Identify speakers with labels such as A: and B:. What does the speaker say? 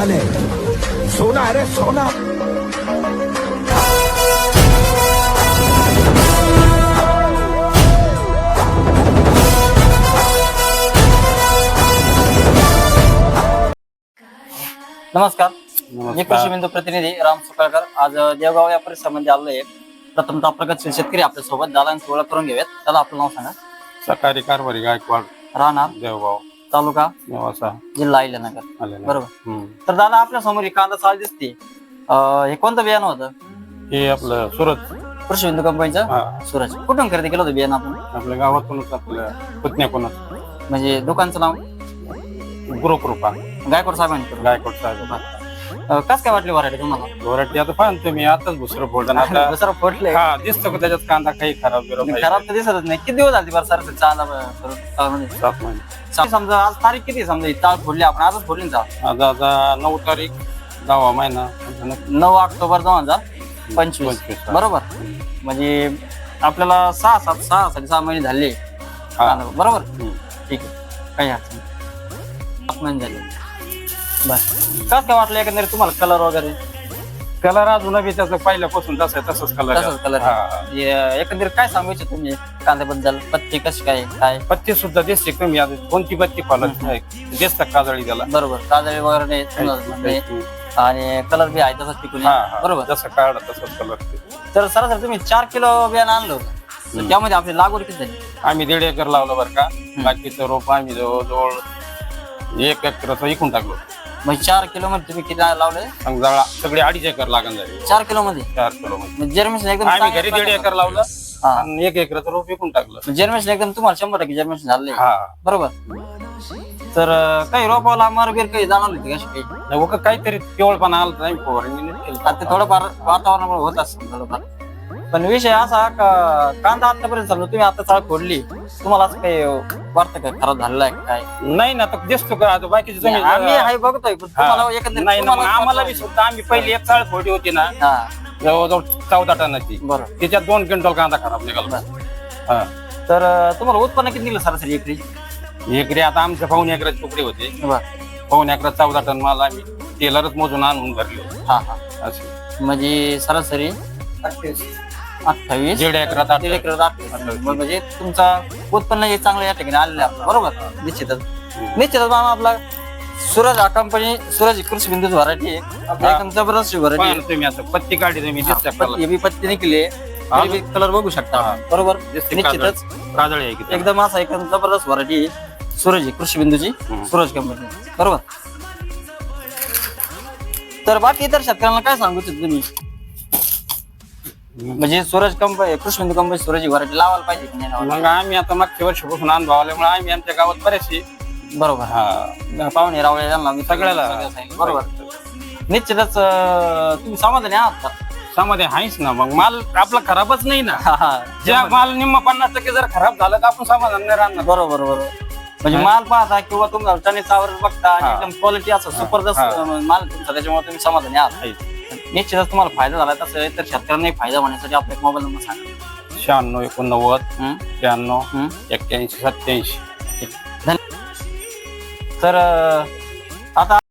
A: माल है, सोना है रे सोना।
B: नमस्कार, मी कृषी बिंदू प्रतिनिधी राम सुकाळकर. आज देवगाव या परिसरामध्ये आलो आहे. प्रथमतः प्रगतशील शेतकरी आपल्या सोबत दालांची ओळख करून घेऊयात. त्याला आपलं नाव सांगा.
C: सकाळी कारभारी गायकवाड,
B: राहणार
C: देवगाव,
B: तालुका
C: नेवासा,
B: जिल्हा अहिल्यानगर.
C: आलेला.
B: बरोबर. तर दादा आपल्या समोर एक कांदा चाळ दिसते. हे कोणतं बियाणं होतं?
C: हे आपलं सुरत,
B: कृषी बिंदू कंपनीचं
C: हा,
B: सूरज. कुठून खरेदी केलं होतं बियाणं आपण?
C: आपल्या गावातूनच, आपल्या पुतण्याकडूनच.
B: म्हणजे दुकानचं नाव
C: गुरुकृपा
B: गायकवाड साहेबांनी.
C: गायकवाड साहेब.
B: कस काय वाटली व्हरायटी तुम्हाला?
C: वराठी आता पाहतो मी, आताच दुसरं फोडलं आता.
B: दुसरं फोडले.
C: हा, दिसतो का त्याच्यात कांदा काही खराब बिराब नाही.
B: खराब तर दिसतच नाही. किती दिवस झाले बरं सर चाला
C: 7 महिने.
B: समजा आज तारीख किती? समजा ही ताळ फोडली आपण, आजच फोडली ना चाळ.
C: आता 9 तारीख 10वा महिना
B: 9 ऑक्टोबर 2025.
C: 25.
B: बरोबर. म्हणजे आपल्याला 6 महिने झाले.
C: हा.
B: बरोबर.
C: हम्म.
B: ठीक आहे, काही अडचण नाही. 7 महिने झाले. बस कसं काय वाटलं एकंदरीत तुम्हाला कलर वगैरे?
C: कलर अजून बी त्याचं पहिल्यापासून तसंच कलर.
B: तसंच कलर. एकंदरीत काय सांगू इच्छित तुम्ही कांद्याबद्दल? पत्ती कशी काय?
C: पत्ती सुद्धा दिसते कमी. आता कोणती पत्ती फॉलत नाही, दिसतात काजळी त्याला.
B: बरोबर. काजळी वगैरे नाही. आणि कलर बी आहे तसंच टिकून. बरोबर.
C: जसं काढ तसंच कलर.
B: तर सरासरी तुम्ही 4 किलो बियाणं आणलं होतं, तर त्यामध्ये आपली लागवड किती झाली?
C: आम्ही 1.5 एकर लावलं बरं का. बाकीचं रोप आम्ही जवळजवळ 1 एकराचं विकून टाकलो.
B: म्हणजे 4 किलो मध्ये तुम्ही किती लावले?
C: समजा सगळे 2.5 एकर लागण झाली.
B: 4 किलो मध्ये?
C: 4 किलो मध्ये
B: जर्मिनेशन एकदम
C: आम्ही घरी 1.5 एकर लावलं आणि 1 एकराचं रोप विकून टाकलं.
B: जर्मिनेशन एकदम तुम्हाला 100% जर्मिनेशन झाले.
C: हा.
B: बरोबर. तर काही रोपाला मारबीर काही जाणवली होती कशी काही?
C: नाही, काहीतरी पिवळपणा आला नाही फवारणी
B: आता ते थोडंफार वातावरणामुळे होत असतं थोडंफार. पण विषय असा का कांदा आतापर्यंत समजा तुम्ही आता चाळ फोडली, तुम्हाला असं काही वाटतं का खराब झालेला आहे काय?
C: नाही ना, तर दिसतो का आता बाकीचे तुम्ही
B: आम्ही हाय बघतोय, पण तुम्हाला एकंदरीत
C: नाही ना, मग
B: तुम्हाला
C: आम्हाला बी सुद्धा आम्ही पहिली एक चाळ फोडी होती ना,
B: हा.
C: जवळजवळ 14 टनाची.
B: बरोबर.
C: त्याच्यात 2 क्विंटल कांदा खराब निघाला. हा.
B: तर तुम्हाला उत्पन्न किती निघलं सरासरी एकरी?
C: एकरी आता आमच्या 1.5 एकराचे तुकडे होते.
B: बरं.
C: 1.5 एकरात 14 टन माल आम्ही टेलरच मोजून आणून भरले.
B: हा.
C: असं
B: म्हणजे सरासरी 28.
C: 1.5 एकरात
B: 28. म्हणजे तुमचा उत्पन्न हे चांगलं या ठिकाणी आलेलं आहे. बरोबर. निश्चितच मामा आपला सूरज हा कंपनी, सूरज कृषी बिंदू व्हरायटी आहे. एकदम जबरदस्त व्हरायटी.
C: तुम्ही आता पत्ती काढली तुम्ही
B: बी पत्ती निघली, कलर बघू शकता. बरोबर. निश्चितच
C: काजळी आहे की
B: एकदम असा एकदम जबरदस्त व्हरायटी सूरज कृषी बिंदूची, सूरज कंपनी. बरोबर. तर बाकी इतर शेतकऱ्यांना काय सांगू इच्छिता तुम्ही? म्हणजे सूरज कंपनी, कृषी बिंदू कंपनी सूरज व्हरायटी लावायला पाहिजे की नाही?
C: मग आम्ही आता मागच्या वर्षापासून अनुभव आल्यामुळे आम्ही आमच्या गावात बरेचसे
B: बरोबर.
C: हा
B: पाहुणे रावळे यांना मी
C: सगळ्याला
B: बरोबर. निश्चितच तुम्ही समाधानी आहात का?
C: त्यामध्ये आहेच ना. मग माल आपला खराबच नाही ना.
B: हा.
C: ज्या माल निम्मा 50% जर खराब झालं तर आपण समाधान नाही राहणार.
B: बरोबर. म्हणजे माल पाहता किंवा तुम्ही टनेचावर बघता आणि एकदम क्वालिटी असं सुपरदस्त माल तुमचा, त्याच्यामुळे तुम्ही समाधानी आहात. निश्चितच तुम्हाला फायदा झाला. तसं तर शेतकऱ्यांना फायदा होण्यासाठी आपला एक मोबाईल नंबर सांगा.
C: 96 89 93 81 87.
B: तर आता